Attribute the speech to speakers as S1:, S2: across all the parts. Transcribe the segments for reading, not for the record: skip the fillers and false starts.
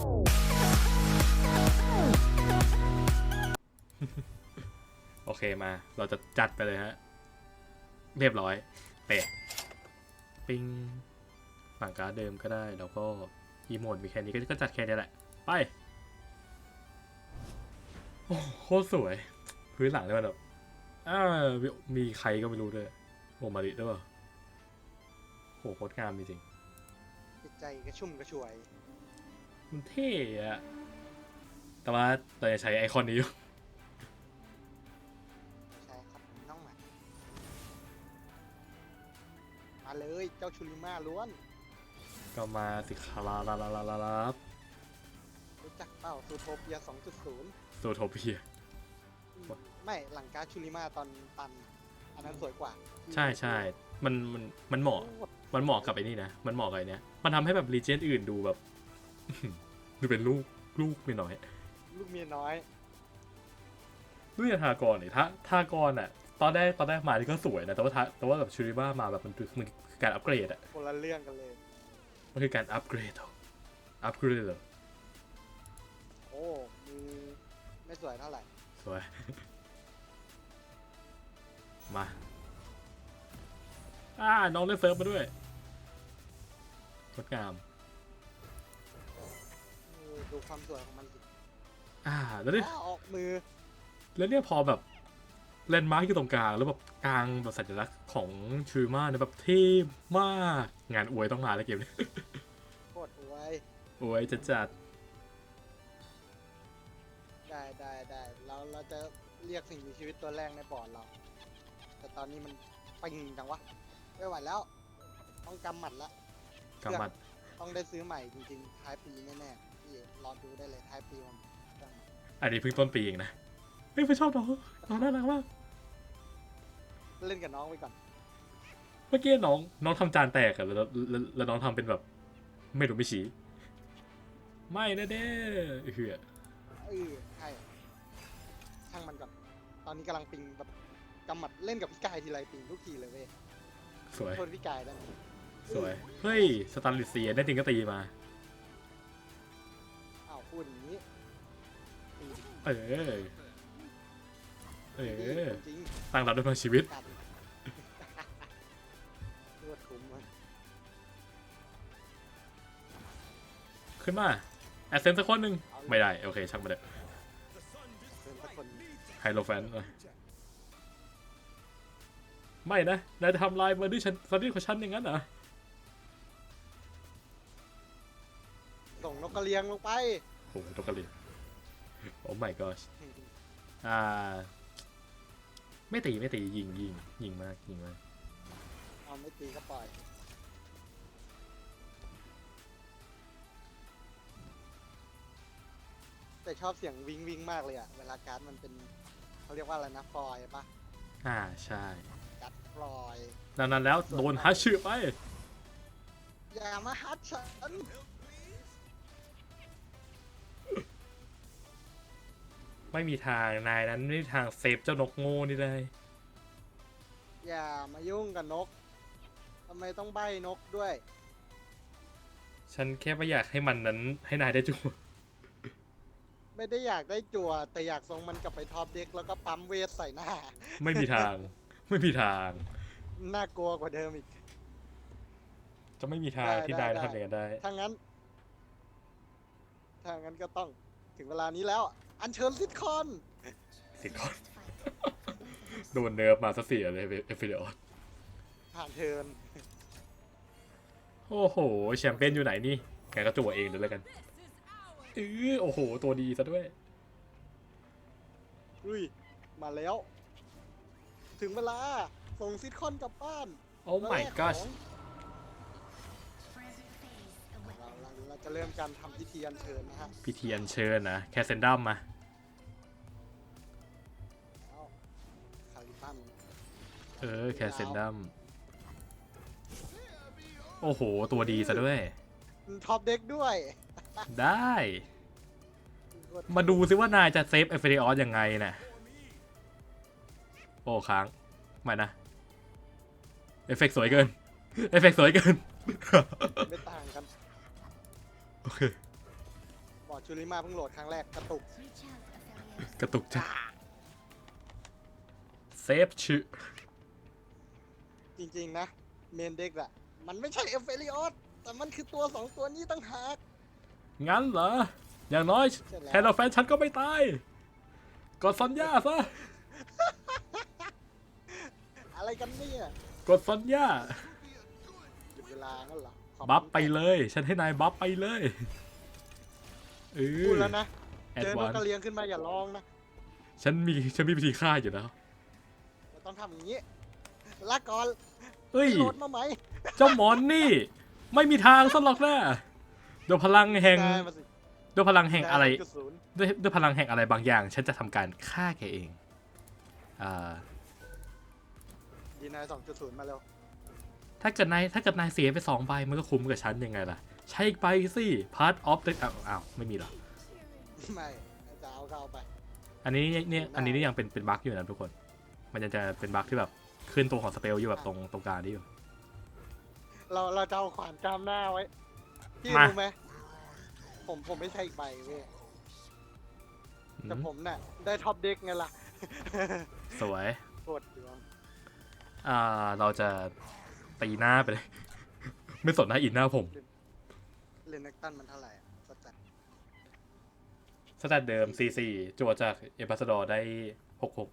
S1: โอเคมาเราจะจัดไปเลยฮะเรียบร้อยเตะปิงฝั่งการ์ดเดิมก็ได้แล้วก็อีโมดมีแค่นี้ก็จัดแค่นี้แหละไปโอ้โคตรสวยพื้นหลังเนี่ยมันแบบมีใครก็ไม่รู้ด้วยโอมาริด้วยเปล่าโหโคตรงามจริง
S2: จิตใจกระชุ่มกระชวย
S1: มันเท่อะแต่ว่าเราจะใช้ไอคอนนี้อยู่
S2: ใช่ครับน้องหมามาเลยเจ้าชูริมาล้วน
S1: ก็มาสิคาราลาลาลาลาลา
S2: รู้จักเปล่าซูโทเปีย 2.0
S1: โซโทเปีย
S2: ไม่หลังการดชูริมาตอนตันอันนั้นสวยกว่า
S1: ใช่ใช่มันเหมาะมันเหมาะกับไอ้นี่นะมันเหมาะกับไอ้เนี้ยมันทำให้แบบรีเจนอื่นดูแบบ ดูเป็นลูกไม่น้อย
S2: ลูกเมียน้อย
S1: ด้วยทากรเนี่ยทากรอ่ะตอนแรกมาที่ก็สวยนะแต่ว่าแบบชูริบ้ามาแบบมันคือการอัปเกรดอ่ะ
S2: คนละเรื่องกันเลย
S1: มันคือการอัปเกรดเหรอ
S2: โอ้มือไม่สวยเท่าไหร่
S1: สวย มาน้องเล่นเซิร์ฟมาด้วยงดงาม
S2: ดูความสวยของมันสิ
S1: แล้วเนี่ย
S2: ออกมือ
S1: แล้วเนี่ยพอแบบแลนด์มาร์กอยู่ตรงกลางแล้วแบบกลางแบบสัญลักษณ์ของชูริมาเนี่ยแบบเท่มากงานอวยต้องมาแล้วเกมนี้
S2: โคตรอวย
S1: อวยจะจัด
S2: ได้เราจะเรียกสิ่งมีชีวิตตัวแรกในบอร์ดเรา แต่ตอนนี้มันปิงจังวะไม่ไหวแล้ว ต้องกำหมัดละ
S1: กำมัด
S2: ต้องได้ซื้อใหม่จริงๆท้ายปีแน่ๆพี่รอดูได้เลยท้ายปีมันจัง
S1: อันนี้เพิ่งต้นปีเองนะเฮ้ยไม่ชอบน้องน่ารักมาก
S2: เล่นกับน้องไปก่อน
S1: เมื่อกี้น้องทำจานแตกอะแล้วน้องทำเป็นแบบไม่รู้ไม่ชี้ไม่นะเด้เหือ
S2: ใช่ช่างมันก่อน ตอนนี้กำลังปิงแบบกำหมัดเล่นกับพี่กายทีไรปิงทุกทีเลยเว้ย
S1: สวย
S2: โทษพี่กายได้ไหม
S1: สวยเฮ้ยสตันลิเซียได้จริงก็ตีมา
S2: อ้าวพูดอย่างนี้ตีดิ
S1: เออ
S2: จริง
S1: ตั้งรับด้วยพลังชีวิต
S2: กันรวดคุ้มมัน
S1: ขึ้นมาแอสเซนสักคนหนึ่งไม่ได้โอเคช่างมาเถอะ
S2: เป็นสักคน
S1: ไฮโลแฟนไม่นะนายจะทำลายมาด้วยฉันซันดี้ของฉันอย่างนั้นเหรอ
S2: ส่งนกกระเรียงลงไป
S1: โอ้โหตกกระเลียโอ้ my gosh ไม่ตียิงมาก
S2: เอาไม่ตีก็ปล่อย แต่ชอบเสียงวิงวิงมากเลยอะเวลาการ์ดมันเป็นเขาเรียกว่าอะไรนะฟลอยปะ
S1: ใช่
S2: การ์ดฟลอย
S1: ดังนั้นแล้วโดนฮัชชื่อไป
S2: อย่ามาฮัดฉัน
S1: ไม่มีทางนายนั้นไม่มีทางเซฟเจ้านกโง่นี่ได้
S2: อย่ามายุ่งกับนกทำไมต้องใบ้นกด้วย
S1: ฉันแค่ไม่อยากให้มันนั้นให้นายได้จุ
S2: ไม่ได้อยากได้จั่วแต่อยากส่งมันกลับไปท็อปเด็กแล้วก็ปั๊มเวทใส่หน้า
S1: ไม่มีทาง
S2: น่ากลัวกว่าเดิมอีก
S1: จะไม่มีทางที่นายจะทำอย่างนั้นได้
S2: ถ้างั้นก็ต้องถึงเวลานี้แล้ว อัญเชิญซิทคอน
S1: สิก่อน โดนเนิร์ฟมาซะเสียเลยเอฟฟิเดอร์
S2: ผ่านเทิร์น
S1: โอ้โหแชมเปี้ยนอยู่ไหนนี่แกก็จั่วเองเลยแล้วกันโอ้โหตัวดีซะด้วย
S2: อุ้ย มาแล้ว ถึงเวลา ส่งซิทคอนกลับบ้าน
S1: โอ้ my gosh
S2: เราจะเริ่มการทำพิธีอัญเชิญนะฮะ
S1: พิธีอัญเชิญนะแคสเซนดัมมา
S2: เอาคาริบัน
S1: แคสเซนดัมโอ้โหตัวดีซะด้วย
S2: ท็อปเด็กด้วย
S1: ได้ มาดูซิว่านายจะเซฟเอฟเฟเดออสยังไงน่ะโอ้ค้างไม่นะเอฟเฟกต์สวยเกิน
S2: ไม่ต่างกัน
S1: โอเค
S2: ชูริมาเพิ่งโหลดครั้งแรกกระตุก
S1: กระตุกจ้ะเซฟชื่อ
S2: จริงๆนะเมนเด็กอะมันไม่ใช่เอฟเฟริออสแต่มันคือตัวสองตัวนี้ตั้งหาก
S1: งั้นเหรอ อย่างน้อย
S2: ใช่แล้ว
S1: แทนเราแฟนฉันก็ไม่ตาย กดสัญญาซะ
S2: อะไรกันเนี่ย
S1: กดสัญญา
S2: หยุดเวลางั้นเหรอขอบคุณ
S1: บัฟไปเลย ฉันให้นายบัฟไปเลยเอ
S2: พู
S1: อ
S2: ดแล้วนะ
S1: แอด
S2: เจอน
S1: วาก น
S2: กกระเลียงขึ้นมาอย่าร้องนะ
S1: ฉันมีวิธีฆ่าอยู่แล้ว
S2: เราต้องทำอย่างนี้ลากก่อน
S1: เอ้ย
S2: โหลดมาไหม
S1: เจ้าหมอนนี่ ไม่มีทางสหรอกนะด้วยพลังแห่ง
S2: ได้มาสิ
S1: ด้วยพลังแห่งอะไร
S2: ด้0.0
S1: ด้วยพลังแห่งอะไรบางอย่าง ฉันจะทำการฆ่าแกเอง
S2: ดีนาย2.0 มาเร็ว
S1: ถ้าเกิดนายเสียไป2 ใบมันก็คุ้มกับฉันยังไงล่ะ ใช่ไปสิ part of the อ้าวไม่มีเหรอ
S2: ไม่จะเอาเข้าไป
S1: อันนี้นี่ยังเป็นบั๊กอยู่นะทุกคน มันยังจะเป็นบั๊กที่แบบขึ้นตัวของสเปลอยู่แบบตรงกลางนี่อยู่
S2: เราจะเอาขวานจามหน้าไว้ พี่
S1: มา
S2: รู้ไหมผมไม่ใช่อีกใบเว้ยแต่ผมน่ะได้ท็อปเด็กไงล่ะ
S1: สวย
S2: โคตรดวง
S1: เราจะตีหน้าไปเลย ไม่สนหน้าอินหน้าผม
S2: เลนเนกตันมันเท่าไหร่อะสแตท
S1: สแตทเดิม C4 จั่วจากเอพัสดอร์ได้ 66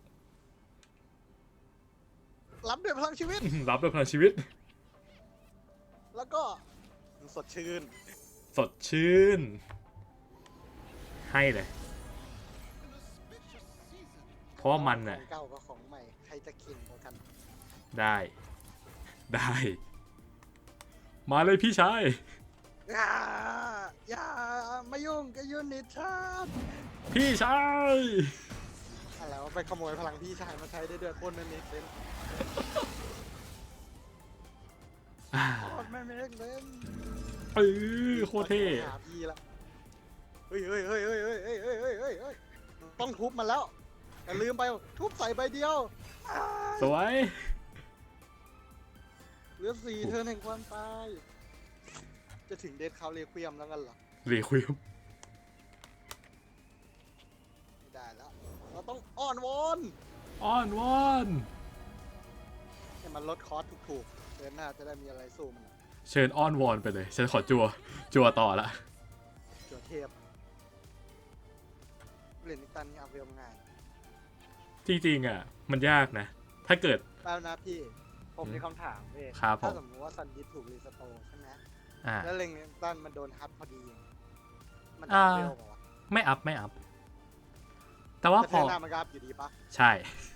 S2: รับด้วยพลังชีวิต
S1: รับด้วยพลังชีวิต
S2: แล้วก็สดชื่น
S1: สดชื่น ให้เลย เพราะว่ามัน
S2: ข
S1: น่ะ
S2: องเก่ากับของใหม่ ใครจะเก่งกว่ากัน
S1: ได้ มาเลยพี่ชาย
S2: อย่ามายุ่งกับยูนิตชาร์
S1: พี่ชาย
S2: อะไรวะไปขโมยพลังพี่ชายมาใช้ได้ด้วยโคตรไม่เมกเซนโคตรไม่เมกเซน
S1: โคตรเท่
S2: หาพี่ละเฮ้ยต้องทุบมันแล้วแต่ลืมไปทุบใส่ใบเดียว
S1: สวย
S2: เหลือ4 เทิร์นแห่งความตาย จะถึงเดทคาวเรควียมแล้วกันเหรอ
S1: เรียคุย
S2: ไม่ได้แล้ว เราต้องอ้อนวอน
S1: อ้อนวอน
S2: ให้มันลดคอสถูกๆเดือนหน้าจะได้มีอะไรสู้มันอะ
S1: เชิญอ้อนวอนไปเลย ฉันขอจัวต่อละ
S2: จัวเทพเล่นนิตันนี่เอาเวลง่าย
S1: จริงๆอ่ะ มันยากนะ ถ้าเกิด
S2: แป๊บนะพี่ ผมมีคำถามเว้ย
S1: ครับผม
S2: ถ้าสมมติว่าซันดิสถูกรีสโตร์ใช่ไหมแล้วเล่นนิตันมันโดนฮัทพอดี มันจะเอาเวลเปล่าวะ
S1: ไม่อัพ แต่ว่า
S2: แต่
S1: พ
S2: เท
S1: อ
S2: อร์หน้ามันก็อัพอยู่ดีปะ
S1: ใช่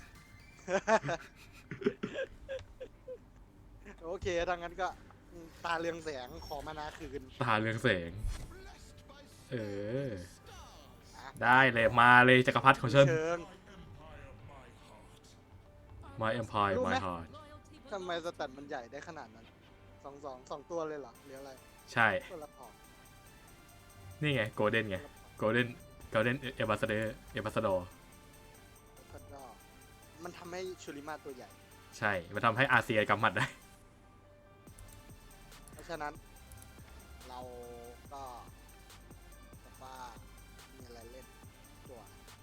S2: โอเคถ้างั้นก็ตาเรืองแสงขอมานาคืน
S1: ตาเรืองแสง
S2: อ่ะ
S1: ได้เลยมาเลยจักรพรรดิของฉัน
S2: เชิง
S1: My Empire
S2: รู้ไหม
S1: My Heart
S2: ทำไมสแตทมันใหญ่ได้ขนาดนั้นสองตัวเลยเหรอหรืออะไร
S1: ใช่
S2: ตัวละพอ
S1: นี่ไง โกลเด้นไง โกลเด้นเอบัสเดอร์เอบัสดอร์
S2: แล้วก็มันทำให้ชูริมาตัวใหญ่
S1: ใช่มันทำให้อาเซียกำหมัดได้
S2: เพราะฉะนั้น เราก็แบบว่ามีอะไรเล่นตัว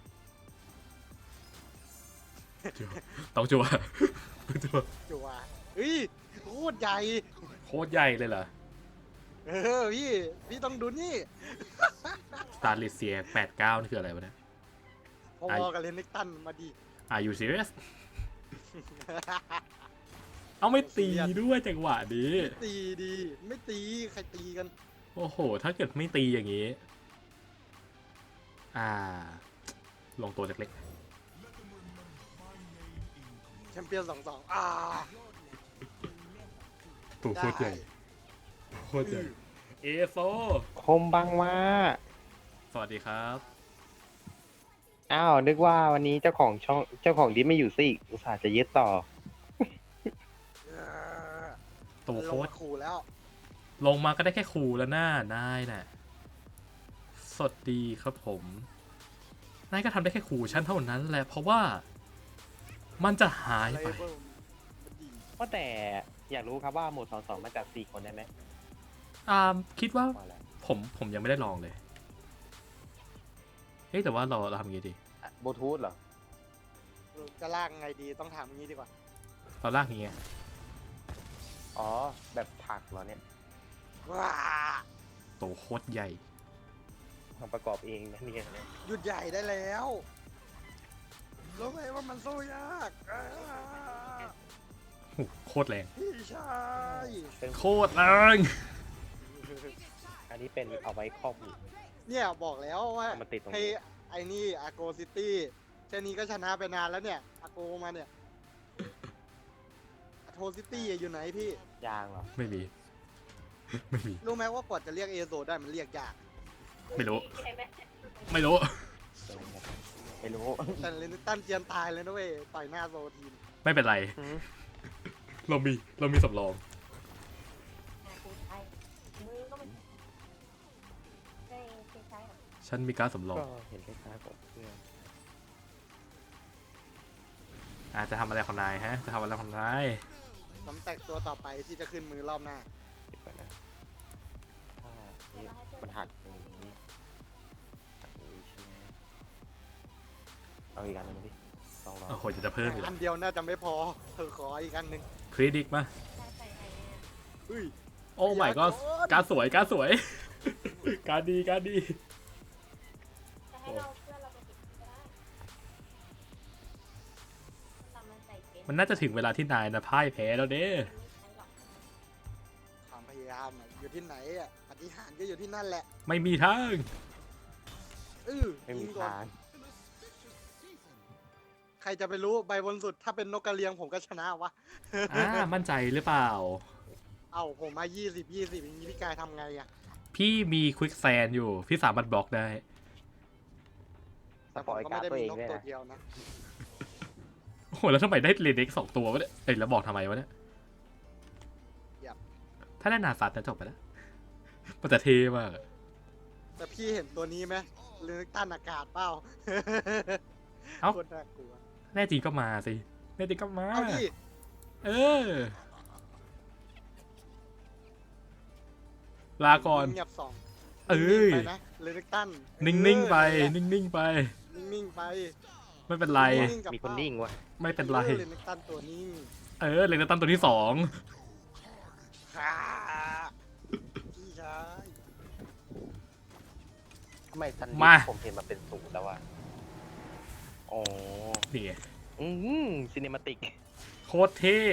S1: ต้องจัว จัว
S2: จัวเฮ้ยโคตรใหญ่
S1: โคตรใหญ่เลยเหรอ
S2: พี่ต้องดูนี่
S1: สตาร์ลิเซีย89นี่คืออะไรวะเนี่ย
S2: พอๆกับเลนนิกตันมาดี
S1: Are you serious เอาไม่ตีด้วยจังหวะนี้
S2: ตีดีไม่ตีใครตีกัน
S1: โอ้โห ถ้าเกิดไม่ตีอย่างนี้ ลงตัวเล็ก
S2: แชมเปี้ยน2-2
S1: ๆถูกโคตรใหญ่
S2: ได้
S1: โคตรใหญ่ เอโซ
S3: คมบังมา
S1: สวัสดีครับ
S3: อ้าว นึกว่าวันนี้เจ้าของช่องเจ้าของดิสไม่อยู่ซิอีกอุตส่าห์จะยึดต่อ
S1: ตัว
S2: ล
S1: โค
S2: ง
S1: ตร
S2: มาขู่แล้ว
S1: ลงมาก็ได้แค่คูแล้วหน้านายน่ะ สดดีครับผม นายก็ทำได้แค่คูชั้นเท่านั้นแหละ เพราะว่า มันจะหาย
S2: อะไร
S1: ไป
S2: เบิ้มมันดี
S3: ว่าแต่อยากรู้ครับว่าโหมด2-2มาจาก4 คนได้ไหม
S1: คิดว่า
S3: ว่าแล้ว
S1: ผมยังไม่ได้ลองเลยเฮ้ยแต่ว่าเราทำยังไงดี
S3: บลูทูธเหรอ
S2: จะลากไงดีต้องถามอย่างนี้ดีกว่า
S1: เราลากอย่างเงี้ย
S3: อ๋อ แบบถักเหรอเนี่ย
S2: ว้า
S1: โตโคตรใหญ่
S3: ทำประกอบเองนะเนี่ย
S2: หยุดใหญ่ได้แล้วรู้ไหมว่ามันสู้ยาก
S1: โคตรแรง
S2: พี่ชาย
S1: โคตรแรง
S3: อันนี้เป็นเอาไว้ครอบหู
S2: เนี่ยบอกแล้วว่า
S3: เอามาติดตรงนี้
S2: ให้ไอ้นี่อาโกซิตี้แค่นี้ก็ชนะไปนานแล้วเนี่ยอาโกมาเนี่ยอาโทซิตี้อยู่ไหนพี่
S3: ยางเหรอ
S1: ไม่มี ไม่มี
S2: รู้ไหมว่ากว่าจะเรียกเอโซได้มันเรียกยาก
S1: ไม่รู้ ไม่รู้
S3: ไม่รู้
S2: แต่เลนตันเจียนตายเลยนะเว้ยต่อยหน้าโซทีม
S1: ไม่เป็นไร
S3: หืม
S1: เรามีสำรอง ฉันมีการดสำรอง
S3: ก็เห็นคล้ายๆกับเพื่อน
S1: จะทำอะไรของนายฮะ จะทำอะไรของนาย
S2: สำแตกตัวต่อไปที่จะขึ้นมือรอบหน้า
S3: คิดก่อนนะถ้านี่มันหักอย่างนี้หักอย่างนี้ใช่ไหมเอาอีกอันหนึงมาดิลอง
S1: โอ้โหจะเพิ่มอีก
S2: อันเดียวน่าจะไม่พอเธอขออีกอันหนึ่ง
S1: คริดิกมา
S2: อุ้ย
S1: โอ้ไม่ก็การดสวย การดสวย การดดี การดดี
S4: จะให้เราเพื่อนเราไปติดก็ได้ทำมันใส่เป็น
S1: มันน่าจะถึงเวลาที่นายนะพ่ายแพ้แล้วเด้
S4: ไม่ใช้หรอก
S2: ความพยายามอะอยู่ที่ไหนอ่ะปฏิหารย์ก็อยู่ที่นั่นแหละ
S1: ไม่มีทาง
S3: ไม่มี
S2: ยิงก่อน
S3: ทาง
S2: ใครจะไปรู้ใบบนสุดถ้าเป็นนกกระเรียงผมก็ชนะวะ
S1: มั่นใจหรือเปล่า
S2: เอ้าผมมา20อย่างนี้พี่กายทำไงอ่ะ
S1: พี่มีควิกแซนอยู่ พี่สามารถบล็อกได้
S3: สปอยการ์ดตัวเอง
S2: นก
S3: ด้วย
S2: ตัว
S3: นะ
S2: เดียวนะ
S1: โอ้โหแล้วทำไมได้เลนเด็ก2 ตัววะเนี่ยเอ้ยแล้วบอกทำไมวะเนี่ยถ้าได้นาซัตนะจบไปแล้วมันจะเท่มากอะ
S2: แต่พี่เห็นตัวนี้ไหมเลือกต้านอากาศเปล่า
S1: เอ้า
S2: โคนน่ากลัว
S1: แน่จริงก็มาสิแน่จริงก็มา
S2: เอาพี่
S1: เออ ลาก่อน
S2: เงียบสอง
S1: เอ้ย
S2: นิ่งๆไปนะเลือกตั้น
S1: นิ่งๆไป
S2: เออ
S1: นิ่งๆไป
S2: นิ่งๆไป
S1: ไม่เป็นไร
S2: นิ่งๆกับ
S3: มีคนนิ่งวะ
S1: ไม่เป็นไร
S2: เลือกตั้นตัวนิ่ง
S1: เออเลนตันตัวที่
S2: ฮ่าพี่ชาย
S3: ทำไมซัน
S1: มา
S3: ผมเห็นมันเป็นศูนย์แล้ววะอ๋อ
S1: 2นี่ไง
S3: ซีเนมาติก
S1: โคตรเท่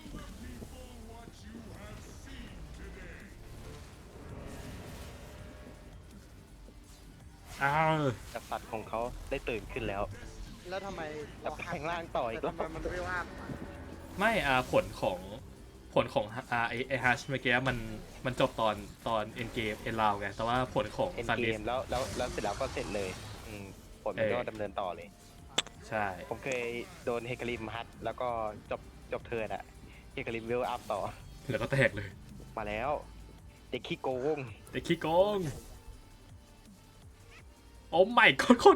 S1: อ้าว
S3: กษัตริย์ของเขาได้ตื่นขึ้นแล้ว
S2: แล้วทำไม
S3: แต่แปลงร่างต่ออีก
S2: แต่
S3: แล้ว
S2: ทำไมมันไม่ว่า
S1: ไม่ผลของไอฮัชเมื่อกี้มันจบตอนเอ็นเกมเอ็นราวไงแต่ว่าผลของ
S3: เอ็น
S1: ซัน
S3: เก
S1: ดิส
S3: มแล้วเสร็จแล้วก็เสร็จเลยผลมันก็ดำเนินต่อเลย
S1: ใช่
S3: ผมเคยโดนเฮการิมฮัตแล้วก็จบเทิร์นอะเฮการิมเวลอัพต่อ
S1: แล้วก็แตกเลย
S3: มาแล้ว เด็กขี้โกง
S1: แต่ขี้โกงโอ้ไม่โคตรโกง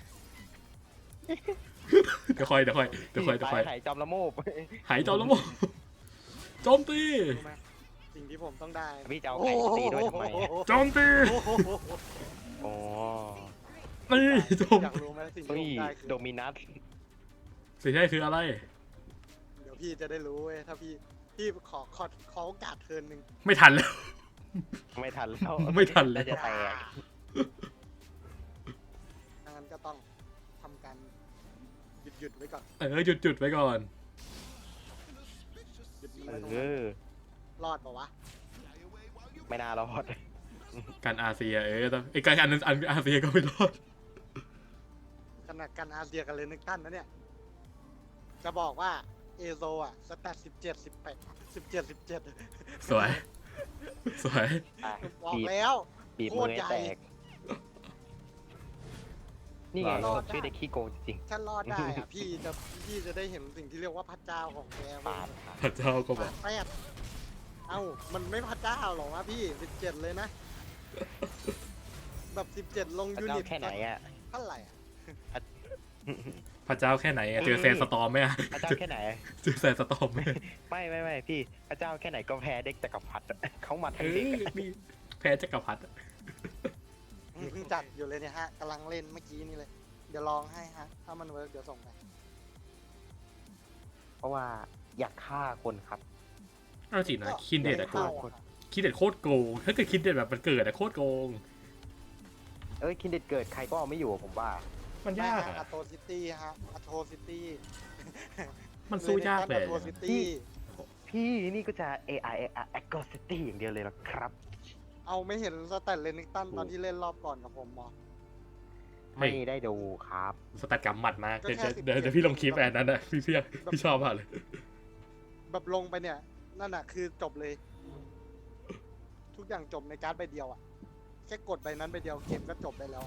S1: เดี๋ยวค่อย
S3: หายจอมละโมบ
S1: หายจอมแล้วมั้งโจมตี
S2: รู้ไหมสิ่งที่ผมต้องได้
S3: พี่จะเอาไก่ตีด้วยทำไมอะ
S1: โจมตี
S2: โอ้โห
S3: อ๋อ
S1: นี่โจม
S2: อยากรู้ไหมสิ่งที่
S3: นี่
S2: ผมได้คือ
S3: โดมินัส
S1: สิ่งที่ได้คืออะไร
S2: เดี๋ยวพี่จะได้รู้เว้ยถ้าพี่ขอโอกาสเทิร์นหนึ่ง
S1: ไม่ทันแล้ว
S3: ไม่ทันแล้ว
S1: ไม่ทันแล้ว
S3: น่าจะแตก
S2: ดังนั้นก็ต้องทำการหยุดไว้ก่อน
S1: หยุดไว้ก่อน
S2: หยุดมันไว้ตรง
S3: เอ
S2: นั้น
S3: อ
S2: รอดปะวะ
S3: ไม่น่ารอด
S1: การอาเซียต้องไอการอันอาเซียก็ไม่รอด
S2: ขนาดกันอาเซียกันเลยนึกตั้นนะเนี่ย จะบอกว่าเอโซอ่ะสแตท17
S1: สวย สวย
S3: อ่ะ
S2: บอก
S3: บีบ
S2: แล้ว
S3: บีบ
S2: โค
S3: มื
S2: ต
S3: อ
S2: ร
S3: ให้
S2: ใหญ่
S3: แตก นี่ไง
S2: รอด
S3: ชื่อเด็กขี้โกงจริง
S2: ถ้ารอดได้อ่ะ พี่จะได้เห็นสิ่งที่เรียกว่าพระเจ้าของแก
S3: ๆ
S2: เว้
S3: ปาย ดค่ะ
S1: พระเจ้าก็บอก
S2: แปดเอ้ามันไม่พระเจ้าหรอกวะพี่17เลยนะ แบบ17ลง
S3: พระ
S2: ยู
S3: เจ้า
S2: นิต
S3: แค่ไหนอ่ะ
S2: เท่าไหร่อ่ะ
S1: พระเจ้าแค่ไหนเจอแซนสตอร์มไหมอะ
S3: พระเจ้าแค่ไหน
S1: เจอแซนสตอร์มไหม
S3: ไม่พี่พระเจ้าแค่ไหนก็แพ้เด็กจักรพรรดิอะเขามา
S1: เอ
S3: ทั้งเด็ก
S1: อ
S3: อะ
S1: นี่แพ้จักรพรรดิอะ
S2: อเพิ่งจัดอยู่เลยเนี่ยฮะกำลังเล่นเมื่อกี้นี่เลย เดี๋ยวลองให้ฮะ ถ้ามันเวิร์กเดี๋ยวส่งไป
S3: เพราะว่าอยากฆ่าคนครับ
S1: เอาจริงนะคินเด็ดอะโก
S2: เข้าง
S1: คินเด็ดโคตรโกงถ้าเกิดคินเด็ดแบบมันเกิดอะโคตรโกง
S3: เอ้ยคินเด็ดเกิดใครก็เอาไม่อยู่ผมว่า
S1: มัน
S2: ไม่
S1: ยาก
S2: ฮะ
S1: อะ
S2: อัตโตซิตี้ฮะอัตโตซิตี้
S1: มันสู้ยากเลย
S2: อัตโตซิตี้
S3: พี่นี่ก็จะ AI Aggressivity อย่างเดียวเลยนะครับ
S2: เอาไม่เห็นสแตทเลนิกตันตอนที่เล่นรอบก่อนกับผมมอ
S3: ไม่ได้ดูครับ
S1: สแตทกำหมัดมาก
S2: ก็
S1: เดี๋ยว
S2: แค่
S1: เดี๋ยว
S2: 17
S1: เดี๋ยวพี่ลงคลิปอันนั้นนะพี่ชอบมากเลย
S2: แบบลงไปเนี่ย นั่นน่ะคือจบเลย ทุกอย่างจบในการ์ดใบเดียวอ่ะ แค่กดใบนั้นใบเดียวเกมก็จบได้แล้วอะ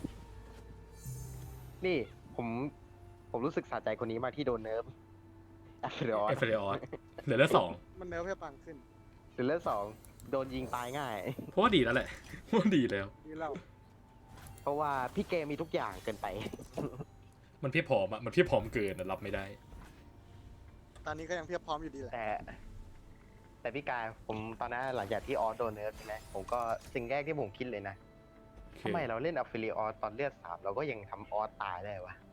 S3: นี่ผมรู้สึกสะใจคนนี้มากที่โดนเนิร์ฟแอฟริออ
S1: เอฟเรออนเหลือสอง
S2: มันเนื้อเพื่อปังขึ้น
S3: หรือเลือดสองโดนยิงตายง่าย
S1: เพราะว่าดีแล้วแหละเพราะว่าดีแล้ว
S2: นี่เรา
S3: เพราะว่าพี่เกมมีทุกอย่างเกินไป
S1: มันเพียบพร้อมอะมันเพียบพร้อมเกินอะรับไม่ได้
S2: ตอนนี้ก็ยังเพียบพร้อมอยู่ดีแหละ
S3: แต่พี่กายผมตอนนั้นหลังจากที่ออสโดนเนิร์ฟใช่ไหมผมก็สิ่งแรกที่ผมคิดเลยนะทำไมเราเล่นอัฟฟิลิออสตอนเลือด3เราก็ยังทำออสตายได้วะ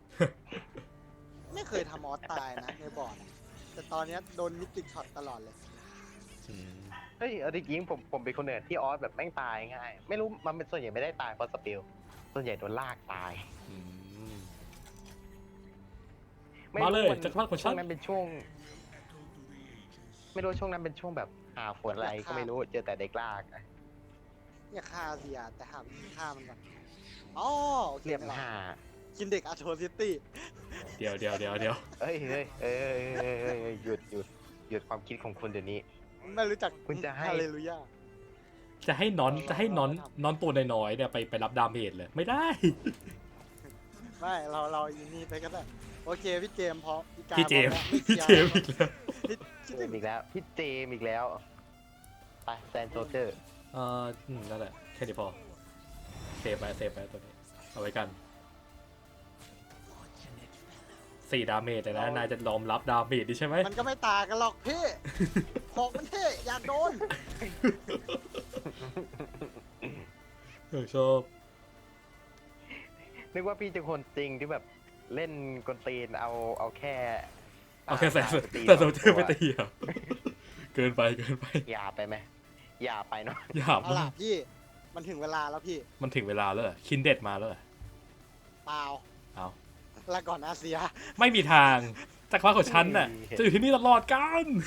S2: ไม่เคยทำออสตายนะในบอร์ดอะแต่ตอนเนี้ยโดนมิติช็อตตลอดเลย
S1: อืม
S3: เฮ้ยเอาจริงๆผมเป็นคนหนึ่งที่ออสแบบแม่งตายง่าย ไม่รู้มันเป็นส่วนใหญ่ไม่ได้ตายเพราะสปิลส่วนใหญ่โดนลากตาย
S1: อืม
S3: ไม่
S1: มา
S3: รู้
S1: เลย
S3: มัน
S1: จักรพรรดิของฉั
S3: ช่วน งนั้นเป็นช่วง ไม่รู้ช่วงนั้นเป็นช่วงแบบหาฝนอะไรก็ไม่รู้เจอแต่เด็กลากอะ
S2: เนี่ยฆ่าเสียแต่หาวิธีฆ่ามันก่อนอ๋อโอเค
S3: เรียบ
S2: ไม่หรอก
S3: หา
S2: กินเด็กอาโทซิตี้
S1: เดี๋ยว
S3: เอ้ยหยุดความคิดของคุณเดี๋ยวนี้
S2: ไม่รู้จัก
S3: คุณจะให้
S2: ฮาเลลูยา
S1: จะให้น้อนตัวน้อยๆเนี่ยไปรับดาเมจเลยไม่ได้
S2: ไม่เราอีนี่ไปก็ได้โอเคพี่เจมส์พอพี่กาย
S1: พี่เจมส์
S2: พร้อม
S1: พี่
S2: แล้ว
S1: เจมส์อีกแล้ว
S2: พี่
S3: เจมส์อีกแล้วพี่เจมส์อีกแล้วไปแซนโซเจอร์
S1: นั่นแหละแค่นี้พอเซฟไปตัวนี้เอาไว้กัน4 ดาเมจแต่นะนายจะยอมรับดาเมจดิใช่ไหม
S2: มันก็ไม่ต่างกันหรอกพี่ของมันเท่อยากโดน
S1: ชอบ
S3: นึกว่าพี่จะคนจริงที่แบบเล่นกลตีนเอาแค่
S1: เอาแค่แซน
S3: ตี
S1: แต่โซเจอร์ไปตีเหรอเกินไป
S3: หยาบไปไหมหยาบไปเนาะ
S1: หยาบ
S2: เอา
S1: มา
S2: ล่ะ
S1: ก
S2: พี่มันถึงเวลาแล้วพี่
S1: มันถึงเวลาแล้วเหรอคินเด็ดมาแล้วเหรอ
S2: เปล่า
S1: เอา
S2: ลาก่อนอาเซีย
S1: ไม่มีทางจักรพรรดิของฉันน่ะจะอยู่ที่นี่ตลอดกัน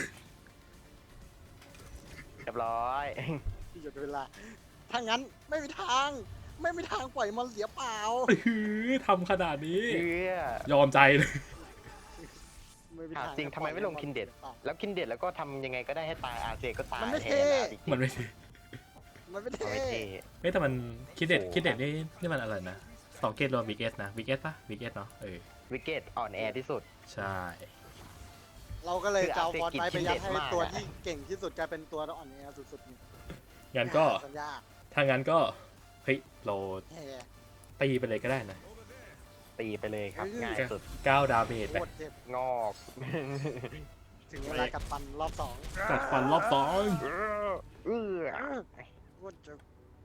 S3: เรียบร้อย
S2: พี่หยุดเวลาถ้างั้นไม่มีทางปล่อยมันเสียเปล่า
S1: ทำขนาดนี้
S3: เชื่อย
S1: อมใจเลย
S2: ไม่มี
S3: ถาม
S2: ทาง
S3: จริงทำไมไม่ลงคินเด็ด แล้วคินเด็ดแล้วก็ทำยังไงก็ได้ให้ตายอาเจก็ตาย
S2: มันไม่
S3: แท
S2: เท่
S3: นอาจริงๆ
S1: มันไม่ใช่
S2: มันไม่
S3: มัน
S2: เท่
S3: ไม่เท่
S1: เฮ้ยแต่มันคิดเด็ด
S3: โอ้โห
S1: คิดเด็ดนี่มันอะไรนะสองเกตรวมบิ๊กเอสนะบิ๊กเอสปะบิ๊กเอสเนาะ
S3: วิกเก็ตอ่อนแอที่สุด
S1: ใช่
S2: เราก็เลยจะเอา
S3: คือ
S2: ฟอนต์ไป
S3: อาเซกิ
S2: ยัดให้
S3: คินเด็ดมาก
S2: ตัว
S3: อะ
S2: ที่เก่งที่สุดกลายเป็นตัวอ่อนแอสุดๆนี่
S1: งั้นก็
S2: สัญญา
S1: ถ้างั้นก็เฮ้ยเรา
S2: แฮ่
S1: ตีไปเลยก็ได้นะ
S3: ตีไปเลยครับ ง่ายสุด
S1: 9 ดาเมจ
S2: โค
S1: ไป
S2: ตรเจ็บ
S3: งอก
S2: ถึงเวลากัดฟันรอบสอง
S1: กัดฟันรอบสอง
S3: เออ
S2: โคตรเจ็บ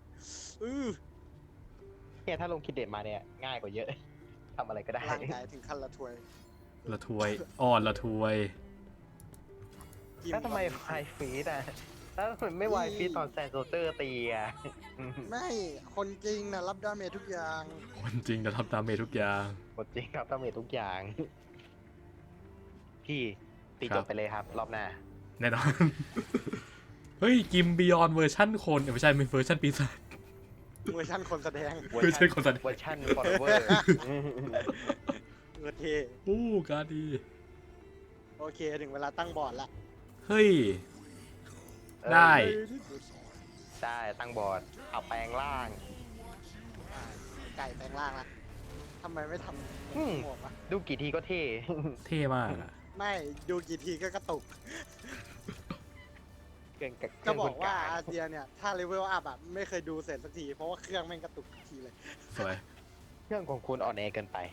S3: เนี่ยถ้าลงคิดเด็ดมาเนี่ยง่ายกว่าเยอะ ทำอะไรก็ได้
S2: ร่างกายถึงขั้นละทวย
S1: ละทวยอ่อนละทวย
S2: จิ้
S3: แล้วทำไม
S2: ก่อน
S3: ไวฟีดอ่ะแล้วทำไมไม่ไวฟีดตอนแซนโซเตอร์ตีอ่ะ
S2: ไม่คนจริงนะรับดาเมจทุกอย่าง
S1: คนจริงจะทำดาเมจทุกอย่าง
S3: หมดจริงครับทำเมจทุกอย่าง พี่ตี
S1: ครั
S3: จ
S1: บ
S3: บไปเลยครับ รอบหน้า
S1: แน่นอน เฮ้ยกิมบิยอนเวอร์ชั่นคนไม่ใช่เป็นเวอร์ชั่นปีศาจ
S2: เวอร์ชันคนแสดง
S1: ไม่ใช่คนแสดง
S3: เวอร์ชันฟอร์เวอร์
S2: เออเท
S1: โอ้การดี
S2: โอเคถึงเวลาตั้งบอร์ดละ
S1: เฮ้ย ได้
S3: ได้ตั้งบอร์ดเอาแปลงร่าง
S2: ไก่แปลงร่างละทำไมไม่ท
S3: อืม
S2: ำหมวกวะ
S3: ดูกี่ทีก็เท่
S1: เท่มากอะ
S2: ไม่ดูกี่ทีก็กระตุก
S3: เกินกับ
S2: จะบอกว่า
S3: เกิน
S2: อาเซียเนี่ย ถ้าเลเวลอัพอ่ะไม่เคยดูเสร็จสักที เพราะว่าเครื่องแม่งกระตุกทุกทีเลย
S1: สวย
S3: เครื่องของคุณอ่อนแอเกินไป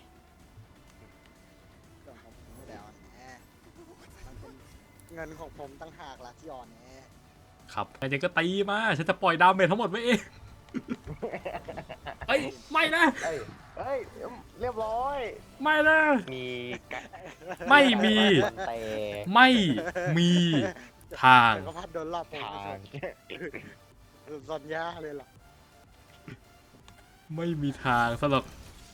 S2: เครื่องของผมไม่ได้อ่อนแอมันเป็นเงินของผมตั้งหากละที่อ่อนแอ
S1: ครับไอ้เจก็ตีมาฉันจะปล่อยดาเมจทั้งหมดไว้เองเอ้ยไม่นะ
S3: เอ้ยเอ้ยเรียบร้อย
S1: ไม่นะ
S3: มีกะ
S1: ไม่มี
S3: แต่
S1: ไม่มีทาง
S2: จักรพรรดิโดนรอบโป
S3: ทาง
S2: ซอนยาเลยเหรอ
S1: ไม่มีทางสำหรับ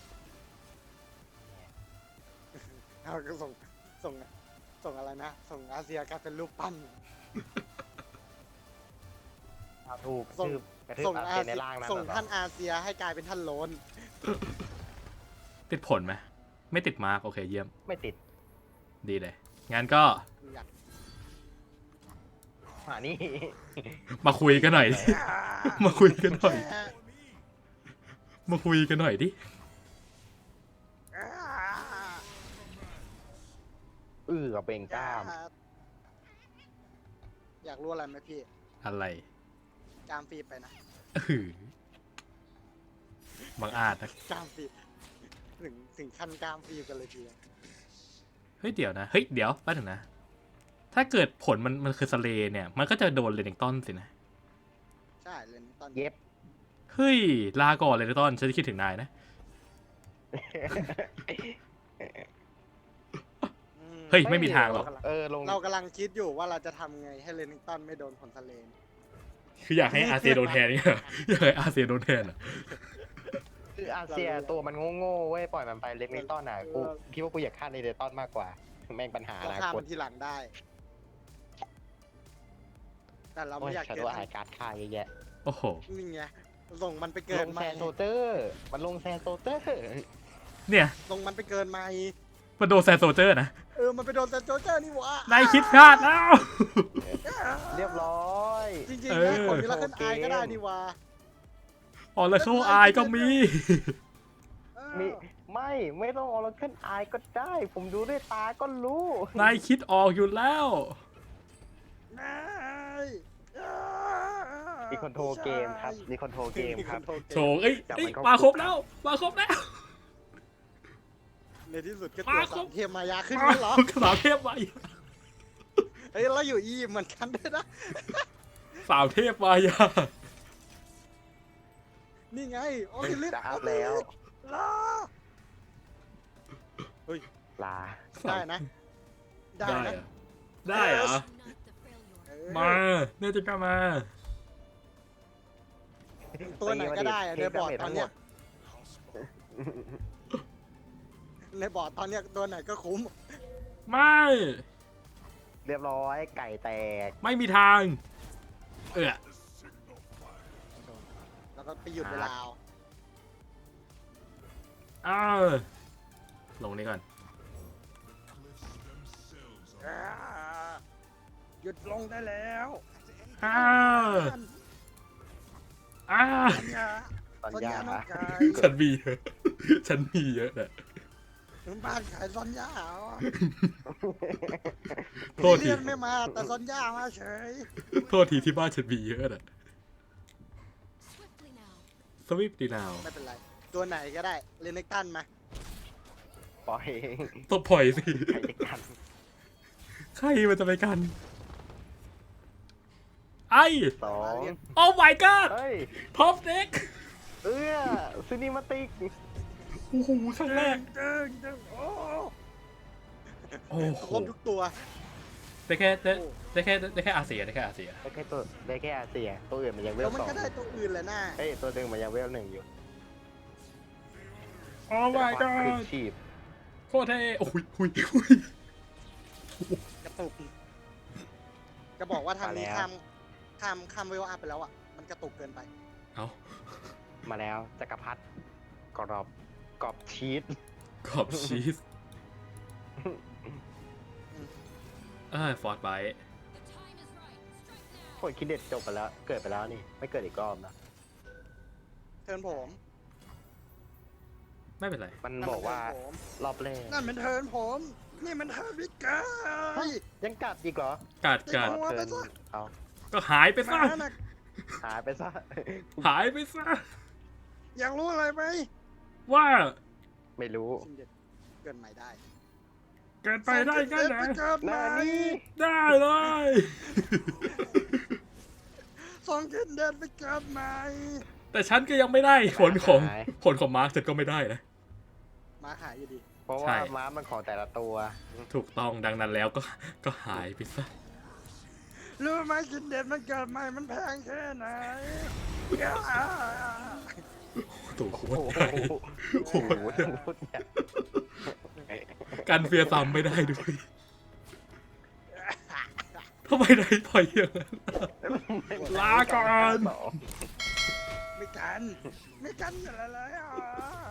S2: เอาก็ส่งอะไรนะ ส่งอาเซียกลายเป็นรูปปั้น
S3: ถูก
S2: ส่ง
S3: ทืบกระทืบ
S2: ส่ง
S3: อา
S2: อา
S3: เซียนใน
S2: เซีย
S3: ร่างนั้น
S2: ส่ง
S3: เหรอ
S2: ท่านอาเซียให้กลายเป็นท่านโลน
S1: ติดผลไหมไม่ติดมาร์กโอเคเยี่ยม
S3: ไม่ติด
S1: ดีเลย งั้นก็
S2: อยาก
S3: นี่
S1: มาคุยกันหน่อยดิ มาคุยกันหน่อย มาคุยกันหน่อยดิ
S3: กับเบ่งกล้าม
S2: อยากรู้อะไรไหมพี่
S1: อะไร
S2: จามฟีไปนะ
S1: อื้อบังอาจนะ
S2: จามฟีถึงขั้นกามฟีกันเลยทีเดียว
S1: เฮ้ยเดี๋ยวนะ เฮ้ยเดี๋ยวแป๊บนึงนะ ถ้าเกิดผลมันคือสเลย์เนี่ย มันก็จะโดนเลนิงตันสินะ
S2: ใช่เลยตอน
S3: เย็บ
S1: เฮ้ย ลาก่อนเลนิงตันฉันจะคิดถึงนายนะ เฮ้ย ไม่มีทางหรอก
S3: ลง
S2: เรากำลังคิดอยู่ว่าเราจะทำไงให้เลนิงตันไม่โดนผลทะเลน
S1: คืออยากให้อาเซียโดนแทนเนี่ยเหรออยากให้อาเซียโดนแทนเหรอ
S3: คืออาเซียตัวมันโง่ๆเว้ยปล่อยมันไปเล็กนิดต้อนอ่ะกูคิดว่ากูอยากฆ่าในเดต้อนมากกว่าแม่งปัญหาอ
S2: เรา
S3: นา
S2: ฆ่า
S3: ค
S2: มั
S3: ต
S2: นทีหลังได้ แต่เรา
S3: โอ้
S2: ไม่
S3: ย
S2: อยาก
S3: ชา
S2: เจ
S3: โด
S2: อ
S3: ว์ไฮการ์ดฆ่าเยอะแยะ
S1: โอ้โห
S2: นี่ไงส่งมันไปเกิ
S3: ล
S2: น
S3: ง
S2: ให
S3: แซ
S2: ม่
S3: นโซเตอร์มันลงแซนโซเตอร์
S1: เนี่ย
S2: ส่งมันไปเกินใหม่
S1: มันโดนแซนโซเจอร์นะ
S2: มันไปโดนแต่โจเจอร์นี่หวะ
S1: นายคิดพลาดแล้ว
S3: เรียบร้อย
S2: จริง
S1: เอ
S2: ๆ
S1: อ
S2: นะคนมิราเคิลไอก็ได้นี่หวะ
S1: อ๋อแล้วเขาอายก็มี
S3: ไม่ต้องออร์เคิลไอก็ได้ ผมดูด้วยตาก็รู้
S1: นายคิดออกอยู่แล้ว
S2: นาย
S3: มีคนโทรเกมครับมีคนโทรเกมครับ
S1: โถเอ้ย
S3: จับ
S1: เอ้ย
S3: มันเข้า
S1: มาครบ
S3: คุก
S1: แล้ว มาครบแล้ว
S2: ในที่สุดก็
S1: มา
S2: ตัว
S1: คร
S2: สา
S1: บ
S2: มเทียมมายาขึ้นแล้วเหรอ
S1: สาวเทพมาอีก
S2: เฮ้ยเราอยู่อียิปต์เหมือนกันด้วยนะ
S1: สาวเทพมายา
S2: นี่ไงโอคิลิส
S3: จะอัพแล้ว
S2: ลา
S3: ลา
S2: ได้นะ ได้
S1: ได้
S2: นะ
S1: เหรอได้เหรอ
S2: เออ
S1: มาเนี่ยจะกล้ามา
S2: ตัวไหนก็ได้อะในบอร์ดตอนเนี้ยในบอร์ดตอนเนี้ยตัวไหนก็คุ้ม
S1: ไม่
S3: เรียบร้อยไก่แตก
S1: ไม่มีทาง เออ
S2: แล้วก็ไปหยุดเวลาเอา
S1: อ้าวลงนี่ก่อน
S2: หยุดลงได้แล้ว
S1: อ้าวอ้าว
S2: สัญญา
S3: สัญญา
S2: น้องกาย
S1: ฉันมีเยอะฉันมีเยอะนะ
S2: มึงบ้านขายสัญญาเหรอ
S1: โทษที
S2: เรียนไม่มาแต่สัญญามาเฉย
S1: โทษทีที่บ้านฉันมีเยอะนะสวิปดีนาว
S2: ไม่เป็นไร ตัวไหนก็ได้เลนเนกตันมา
S3: ปล่อย
S1: ต้องปล่อยสิ
S3: ใครจะกัน
S1: ใครมันจะไปกัน ไอ้
S3: สอง
S1: โอ้ my god
S3: เฮ้ย
S1: ท็อปเด็ก
S3: ซินิมาติก
S1: โอ้โหครั้งแรก
S2: ดึงโอ้
S1: โอ้โห
S2: ครบทุกตัว
S1: ได้แค่อาเซียได้แค่อาเซีย
S3: ได้แค่ตัวได้แค่อาเซียตัวอื่นมันยังเว
S2: แล้
S3: ล
S2: วมัน
S3: สอง
S2: ก็ได้ตัวอื่นแหละน่า
S3: เฮ้ยตัวหนึ่งมันยังเวลหนึ่งอยู่
S1: โอ้ my
S3: แต่ว่า
S1: god
S3: คือชีพ
S1: โคตรเท่โอ้ย
S2: กระตุก จะบอกว่าทางนี้ข้ามเวลอัพไปแล้วอ่ะ มันกระตุกเกินไป
S1: เอา
S3: มาแล้วจักรพรรดิกรอบชีส
S1: ขอบชีสฟอร์ดไบ
S3: คนคิดเด็ดจบไปแล้ว เกิดไปแล้วนี่ ไม่เกิดอีกรอบนะ
S2: เทิร์นผม
S1: ไม่เป็นไร
S3: มันบอกว่ารอบแรก
S2: นั่นเป็นเทิร์นผม นี่มันเทิร์นวิกเกอร์
S3: ยังกัดอีกเหรอ
S1: กัด
S2: เอา
S3: เทิร์นเอา
S1: ก็หายไปซะ
S2: มาน่ะ
S3: หายไปซะ
S1: หายไปซะ
S2: อยากรู้อะไรไหม
S1: ว่า
S3: ไม่รู้
S2: ชินเด็ดเกินใหม่ได้
S1: เกินไปได้แค่ไหน
S2: เกินให
S3: นา
S2: ม่
S3: นี่
S1: ได้เลย
S2: ส่งชินเด็ดไปเกินใหม่
S1: แต่ฉันก็ยังไม่ได้ผลของมาร์คฉันก็ไม่ได้นะ
S2: มาหายอยู่ดี
S3: เพราะ
S1: ใช่
S3: ว่าม้ามันของแต่ละตัว
S1: ถูกต้องดังนั้นแล้วก็หายไปซะ
S2: รู้ไหมกินเด็ดมันเกิดใหม่มันแพงแค่ไหน
S1: ตัวโค
S3: โอ้
S1: ตร
S3: โห
S1: ใหญ่
S3: โอ้โหพูดเนี่ย
S1: กันเฟียร์ซ้ำไม่ได้ด้วยทำไมได้ปล่อยอย่างนั้น ลาก่อน
S2: ไม่กัน ไม่กันอะไรเลยอ่ะ